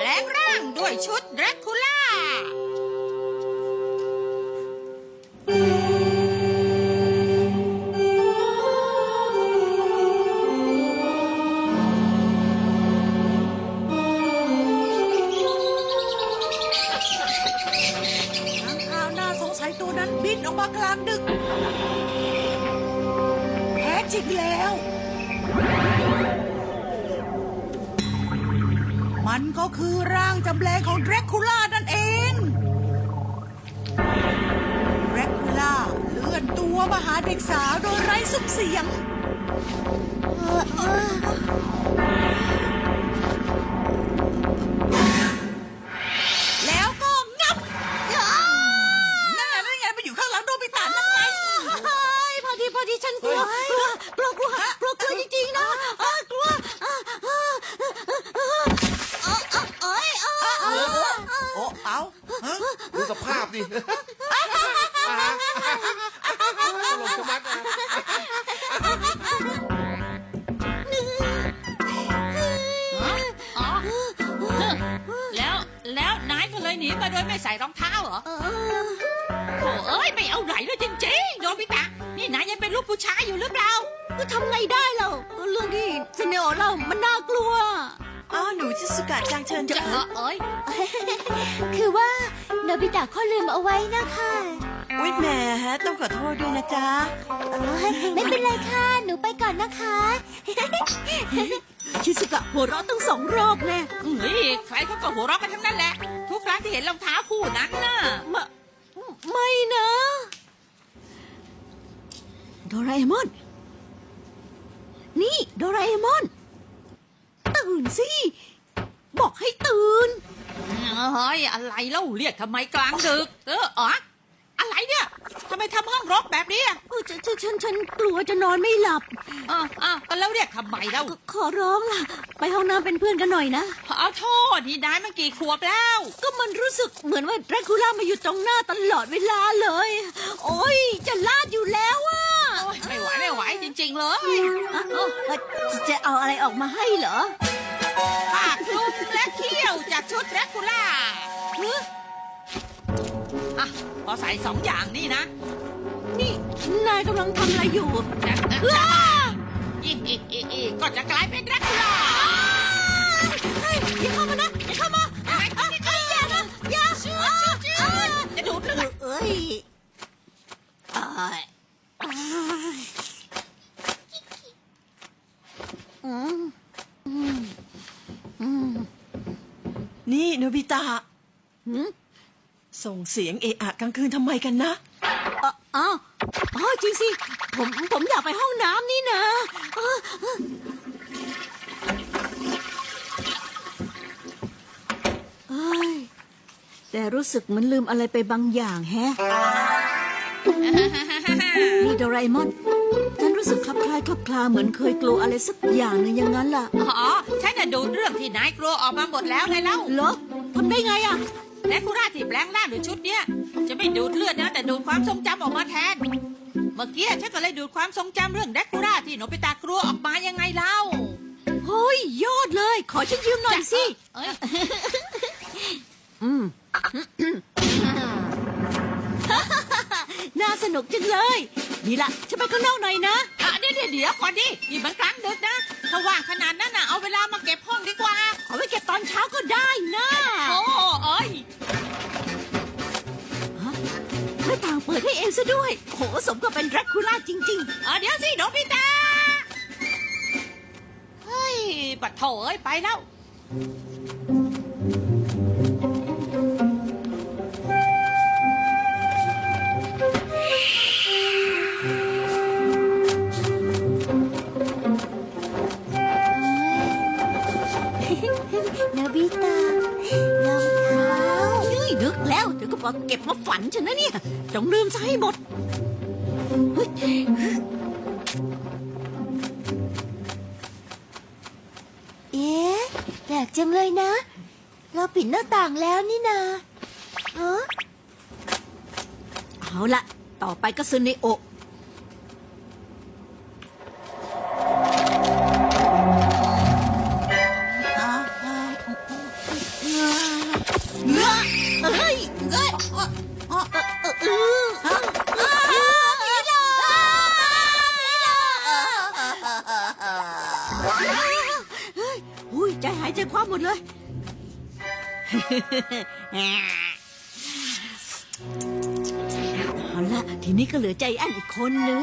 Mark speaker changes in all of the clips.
Speaker 1: ลงร่างด้วยชุดแดร็กคูล่า
Speaker 2: ตัวนั้นบินออกมากลางดึกแท้จริงแล้วมันก็คือร่างจำแรงของแดร็กคูล่านั่นเองแดร็กคูล่าเลื่อนตัวมาหาเด็กสาวโดยไร้ซุ้มเสียงแล้วก็งับนั่นไงไปอยู่ข้างหลังโดบิตะนั่นไงพอดีฉันกลัวจริงๆนะกลัวเอา
Speaker 3: ดูสภาพดิตลกชะมัดนะ
Speaker 1: แล้วนายก็เลยหนีมาโดยไม่ใส่รองเท้าเหรอโถ่เอ้ยไม่เอาไหลเลยจริงๆโดบิตะนี่นายยังเป็นลูกผู้ชายอยู่หรือเปล่า
Speaker 2: ก็ทำไงได้เราเรื่องที่ซิเนโอเล่ามันน่ากลัว
Speaker 4: หนูชิสุกะจังเชิญจ้ะ
Speaker 2: คือว่าโนบิตะข้อลืมเอาไว้นะคะ
Speaker 4: อุ๊ยแหมต้องขอโทษด้วยนะจ๊ะ
Speaker 2: ไม่เป็นไรค่ะหนูไปก่อนนะคะชิสุกะหัวเราะตั้ง2 รอบแน่
Speaker 1: ใครเขาก็หัวเราะกันทั้งนั้นแหละทุกครั้งที่เห็นรองเท้าคู่นั้นน่ะ
Speaker 2: ไม่นะโดราเอมอนนี่โดราเอมอนตื่นสิบอกให้ตื่น
Speaker 1: เฮ้ยอะไรเล่าเรียกทำไมกลางดึกอะไรเนี่ยทำไมทำห้องรกแบบนี้
Speaker 2: ฉันกลัวจะนอนไม่หลับ
Speaker 1: แล้วเรียกทำไมเล่า
Speaker 2: ขอร้องล่ะไปห้องน้ำเป็นเพื่อนกันหน่อยนะ
Speaker 1: เอาโทษนี่นายมันกี่ขวบแล้ว
Speaker 2: ก็มันรู้สึกเหมือนว่าแดร็กคูล่ามาอยู่ตรงหน้าตลอดเวลาเลยโอ๊ยจะลาดอยู่แล้วอ่ะ
Speaker 1: ไม่ไหวจริงๆเลย
Speaker 2: จะเอาอะไรออกมาให้เหรอ
Speaker 1: ผ้าคลุมและเขี้ยวจากชุดแดร็กคูล่าพอใส่2 อย่างนี่นะ
Speaker 2: นี่นายกำลังทำอะไรอยู่
Speaker 1: ก็จะกลายเป็นแดร็กคูล่า
Speaker 2: อย่าเข้ามานะอย่าเข้ามาอย่านะอย่า
Speaker 1: จะดูดเลือด
Speaker 4: นี่โนบิตะส่งเสียงเอะอะกลางคืนทำไมกันนะ
Speaker 2: จริงสิผมอยากไปห้องน้ำนี่นะแต่รู้สึกเหมือนลืมอะไรไปบางอย่างแฮะนี่โดราเอมอนฉันรู้สึกคลับคลาเหมือนเคยกลัวอะไรสักอย่างหนึ่งอย่างนั้นล่ะ
Speaker 1: ฉันจะดูเรื่องที่นายกลัวออกมาหมดแล้วไงเล่า
Speaker 2: เหรอทำได้ไงอ่ะ
Speaker 1: แดร็กคูล่าที่แปลงร่างหรือชุดเนี้ยจะไม่ดูดเลือดนะแต่ดูดความทรงจำออกมาแทนเมื่อกี้ฉันก็เลยดูดความทรงจำเรื่องแดร็กคูล่าที่โนบิตะกลัวออกมายังไงเล่า
Speaker 2: เฮ้ยยอดเลยขอฉันยืมหน่อยสิน่าสนุกจังเลยนี่ล่ะฉันไปข้างนอกหน่อยนะ
Speaker 1: เดี๋ยวก่อนดินี่มันกลางดึกนะถ้าว่างขนาดนั้นน่ะเอาเวลามาเก็บห้องดีกว่า
Speaker 2: เอาไว้เก็บตอนเช้าก็ได้นะหน้าต่างเปิดให้เองซะด้วยโหสมกับเป็นแดร็กคูล่าจริง
Speaker 1: ๆเดี๋ยวสิโนบิตะเฮ้ยบัดโถ่เอ้ยไปแล้ว
Speaker 2: โนบิตะรองเท้านึกแล้วเดี๋ยวก็บอกเก็บมาฝันฉันนะเนี่ยต้องลืมซะให้หมดแปลกจังเลยนะเราปิดหน้าต่างแล้วนี่นาเอาละต่อไปก็ซึเนโอะใจหายใจคว่ำหมดเลย เอาละทีนี้ก็เหลือใจแอนอีกคนนึง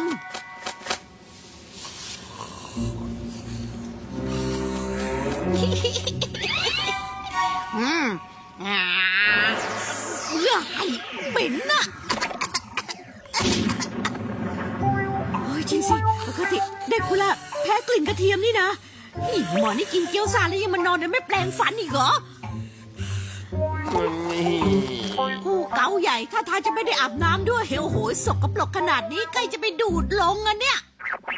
Speaker 2: เลือดเป็นน่ะโอ้ยจริงสิปกติเด็กคุณละแพ้กลิ่นกระเทียมนี่นะนี่หมอนี่กินเกี๊ยวซ่าแล้วยังมานอนโดยไม่แปลงฟันอีกเหรอผู้เกาใหญ่ถ้าทางจะไม่ได้อาบน้ำด้วยโอ้โหสกปรกขนาดนี้ใกล้จะไปดูดลงอ่ะเนี่ย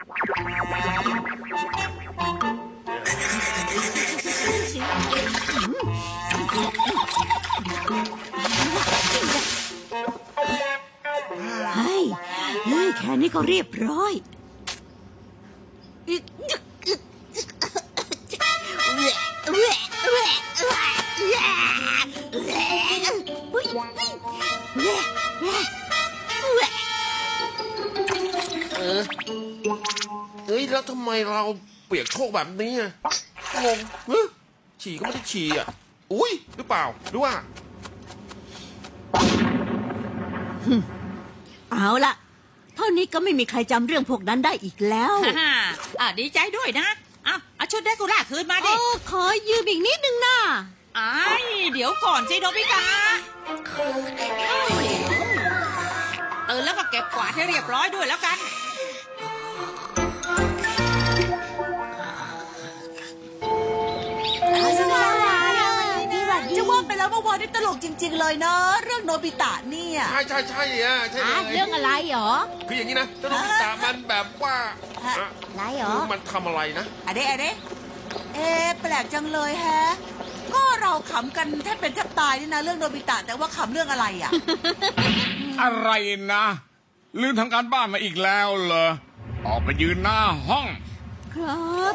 Speaker 2: เฮ้ยแค่นี้ก็เรียบร้อย
Speaker 3: เฮ้ยแล้วทำไมเราเปียกโชกแบบนี้อะงงเฮ้ยฉี่ก็ไม่ได้ฉี่อ่ะอุ้ยหรือเปล่าหรือว่า
Speaker 2: เอาล่ะเท่านี้ก็ไม่มีใครจำเรื่องพวกนั้นได้อีกแล้ว
Speaker 1: ฮ่าดีใจด้วยนะเอาชุดเดกุร่าคืนมาดิ
Speaker 2: ขอยืมอีกนิดนึงนะ
Speaker 1: เดี๋ยวก่อนสิโนบิตะตื่นแล้วก็เก็บกวาดให้เรียบร้อยด้วยแล้วกัน
Speaker 5: จะว่าไปแล้วเมื่อวานนี่ตลกจริงๆเลยนะเรื่องโนบิตะเนี่ย
Speaker 3: ใช่เนี่ยใช่เลย
Speaker 2: เรื่องอะไรหรอ
Speaker 3: คืออย่างนี้นะเจ้าโนบิตะมันแบบว่า
Speaker 2: อะไรหรอ
Speaker 3: มันทำอะไรนะ
Speaker 5: อะเดแปลกจังเลยแฮะ ก็เราขำกันแทบเป็นแทบตายนี่นะเรื่องโนบิตะแต่ว่าขำเรื่องอะไรอ่ะ
Speaker 6: อะไรนะลืมทำการบ้านมาอีกแล้วเหรอออกไปยืนหน้าห้อง
Speaker 2: ครับ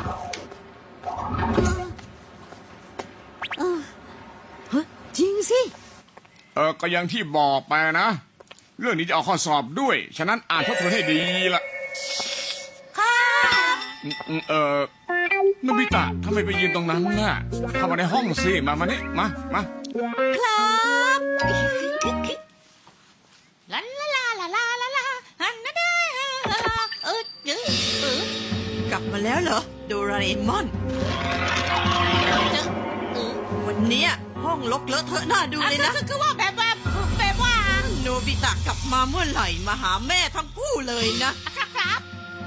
Speaker 2: เฮ้ยจริงสิ
Speaker 6: ก็อย่างที่บอกไปนะ เรื่องนี้จะเอาข้อสอบด้วย ฉะนั้นอ่านทบทวนให้ดีละโนบิตะทำไมไปยืนตรงนั้นน่ะเข้ามาในห้องสิมานี่มา
Speaker 2: ครับ
Speaker 1: ลาลาลาลาลาลาฮันนะเด้
Speaker 4: กลับมาแล้วเหรอโดราเอมอน วันเนี้ยห้องรกเลอะเทอะน่าดูเลยนะ
Speaker 1: คือว่าแบบว่า
Speaker 4: โนบิตะกลับมาเมื่อไหร่มาหาแม่ทั้งคู่เลยนะ
Speaker 1: ครับ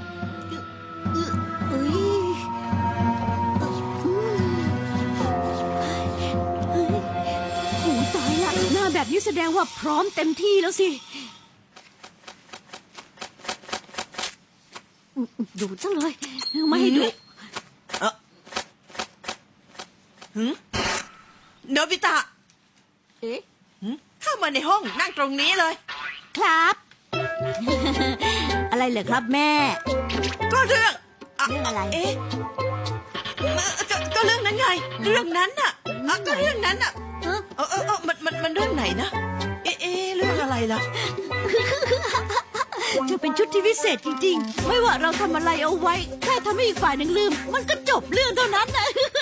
Speaker 2: โอ้ตายละหน้าแบบนี้แสดงว่าพร้อมเต็มที่แล้วสิดูจังเลยไม่ให้ดู
Speaker 4: โนบิตะ
Speaker 2: เอ๊ะ
Speaker 4: เข้ามาในห้องนั่งตรงนี้เลย
Speaker 2: ครับ อะไรเหรอครับแม่
Speaker 4: ก็เรื่อง
Speaker 2: เรื่องอะไร
Speaker 4: เอ๊ะก็เรื่องนั้นไง เรื่องนั้นน่ะก็เรื่องนั้นน่ะมันเรื่องไหนนะเอ๊ะเรื่องอะไรล่ะ
Speaker 2: จะเป็นชุดที่พิเศษจริงๆ ไม่ว่าเราทำอะไรเอาไว้แค่ทำให้อีกฝ่ายหนึ่งลืม มันก็จบเรื่องเท่านั้นนะ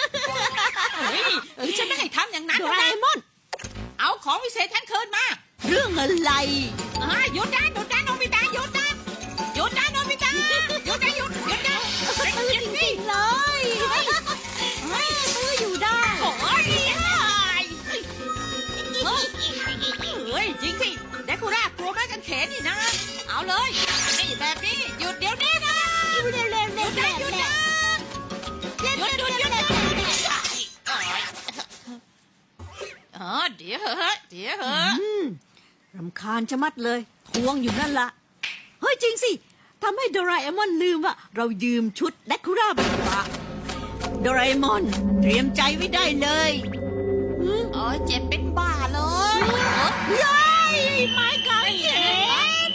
Speaker 1: ฉันไม่ให้ทำอย่างนั้น
Speaker 2: โดราเอมอน
Speaker 1: เอาของวิเศษฉันคืนมา
Speaker 2: เรื่องอะไร
Speaker 1: หยุดนะโนบิตะหยุดนะโนบิตะหยุดนะ
Speaker 2: ตื้อจริงๆเลยตื้ออยู่ได้
Speaker 1: โอ้ยจริงสิเดกุร่ากลัวไม้กางเขนนี่นะ เอาเลยนี่แบบนี้หยุดเดี๋ยวนี้นะหยุดนะหยุดนะหยุดเดี๋ยวเหอะ
Speaker 2: รำคาญชะมัดเลยทวงอยู่นั่นละเฮ้ยจริงสิทำให้โดราเอมอนลืมว่าเรายืมชุดเดคูร่าไปปะโดราเอมอนเตรียมใจไว้ได้เลย
Speaker 1: เจ็บเป็นบ้าเลย
Speaker 2: ย้ายไม้กางเขน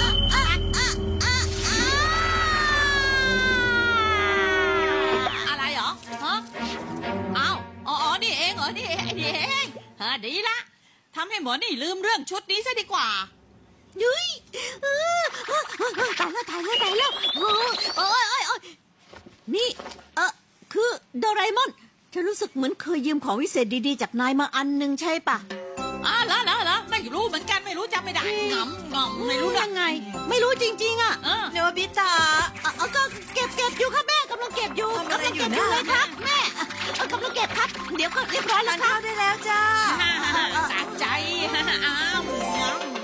Speaker 1: อะไรเหรอฮะนี่เองเหรอนี่เองดีละทำให้หมอนี่ลืมเรื่องชุดนี้ซะดีกว่า
Speaker 2: ยุ้ยตายแล้วโอ้ยนี่คือโดราเอมอนฉันรู้สึกเหมือนเคยยืมของวิเศษดีๆจากนายมาอันหนึ่งใช่ปะ
Speaker 1: เหรอไม่รู้เหมือนกันไม่รู้จำไม่ได้งำไม่รู้เรื่
Speaker 2: ยั
Speaker 1: อง
Speaker 2: งไง ไม่รู้จริงๆอ่ะ
Speaker 4: โนบิตะ
Speaker 2: ก็เก็บอยู่ครับแม่กำลังเก็บอยู่
Speaker 4: ทำอะไร
Speaker 2: กำลัง
Speaker 4: อยู่
Speaker 2: เก็บอยู่
Speaker 4: นะ
Speaker 2: เลยครับแม่กำลังเก็บครับ เดี๋ยวก็เรียบร้อยแล้
Speaker 4: ทา
Speaker 2: วน ครับ
Speaker 4: ข้าวได้แล้วจ้า
Speaker 1: สะใจอ้าว